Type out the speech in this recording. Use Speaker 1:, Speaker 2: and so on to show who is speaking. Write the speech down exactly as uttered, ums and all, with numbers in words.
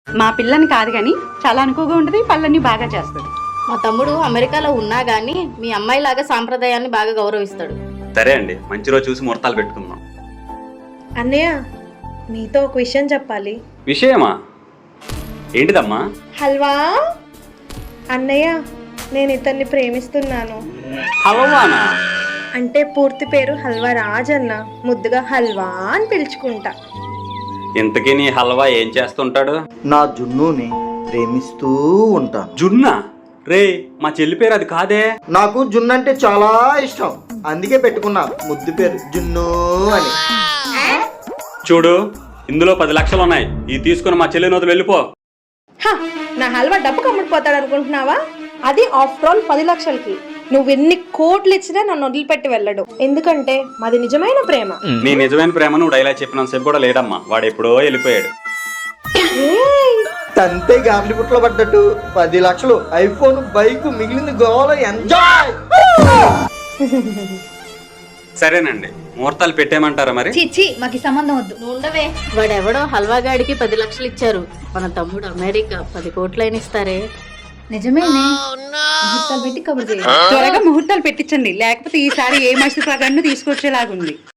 Speaker 1: మా పిల్లని కాదు కానీ చాలా అనుకోగా ఉంటుంది, పళ్ళన్నీ బాగా చేస్తుంది.
Speaker 2: మా తమ్ముడు అమెరికాలో ఉన్నా గానీ మీ అమ్మాయి లాగా సాంప్రదాయాన్ని బాగా గౌరవిస్తాడు.
Speaker 3: సరే అండి, మంచి రోజు చూసి ముహూర్తాలు పెట్టుకుందాం.
Speaker 4: అన్నయ్య నీతో ఒక విషయం చెప్పాలి.
Speaker 3: విషయమా? ఏంటిదమ్మా?
Speaker 4: హల్వా అన్నయ్య, నేను ఇతన్ని ప్రేమిస్తున్నాను.
Speaker 3: హల్వానా?
Speaker 4: అంటే పూర్తి పేరు హల్వా రాజ్ అన్న, ముద్దుగా హల్వా అని పిలుచుకుంటా.
Speaker 3: ఇంతకీ నీ హల్వా ఏం చేస్తుంటాడు?
Speaker 5: నా జున్నుని ప్రేమిస్తూ ఉంటాను.
Speaker 3: జున్నా? రే, మా చెల్లి పేరు అది కాదే.
Speaker 5: నాకు జున్ను అంటే చాలా ఇష్టం, అందుకే పెట్టుకున్నా ముద్దు పేరు జున్ను అని.
Speaker 3: చూడు, ఇందులో పది లక్షలు ఉన్నాయి, ఇది తీసుకుని మా చెల్లి నోతులు వెళ్ళిపో.
Speaker 4: హ, నా హల్వా డబ్బు కమ్ముడిపోతాడు అనుకుంటున్నావా? అది ఆఫ్టర్ ఆల్ పది లక్షలకి. నువ్వు ఎన్ని కోట్లు ఇచ్చినా నన్ను వదిలిపెట్టి వెళ్ళడు, ఎందుకంటే మాది నిజమైన ప్రేమ.
Speaker 3: నీ నిజమైన ప్రేమ నువ్వు డైలాగ్ చెప్పినంత సేపు కూడా లేదమ్మా, వాడు ఎప్పుడో వెళ్ళిపోయాడు.
Speaker 5: తంతే గామిడి పుట్లో పడ్డట్టు పది లక్షలు, ఐఫోన్, బైక్, మిగిలింది గోవాలో ఎంజాయ్.
Speaker 3: సరేనండి, ముహూర్తాలు పెట్టేయమంటారా మరి?
Speaker 6: చిచ్చి మాకు ఈ సంబంధం వద్దు.
Speaker 2: నువ్వు ఉండవే, వాడెవడో హల్వా గాడికి పది లక్షలు ఇచ్చారు, మన తమ్ముడు అమెరికా పది కోట్లైన ఇస్తారే.
Speaker 6: నిజమేనే, ముహూర్తాలు పెట్టి కబుర్ చేయాలి.
Speaker 1: త్వరగా ముహూర్తాలు పెట్టించండి, లేకపోతే ఈసారి ఏ మసి ప్రకారం తీసుకొచ్చేలాగుంది.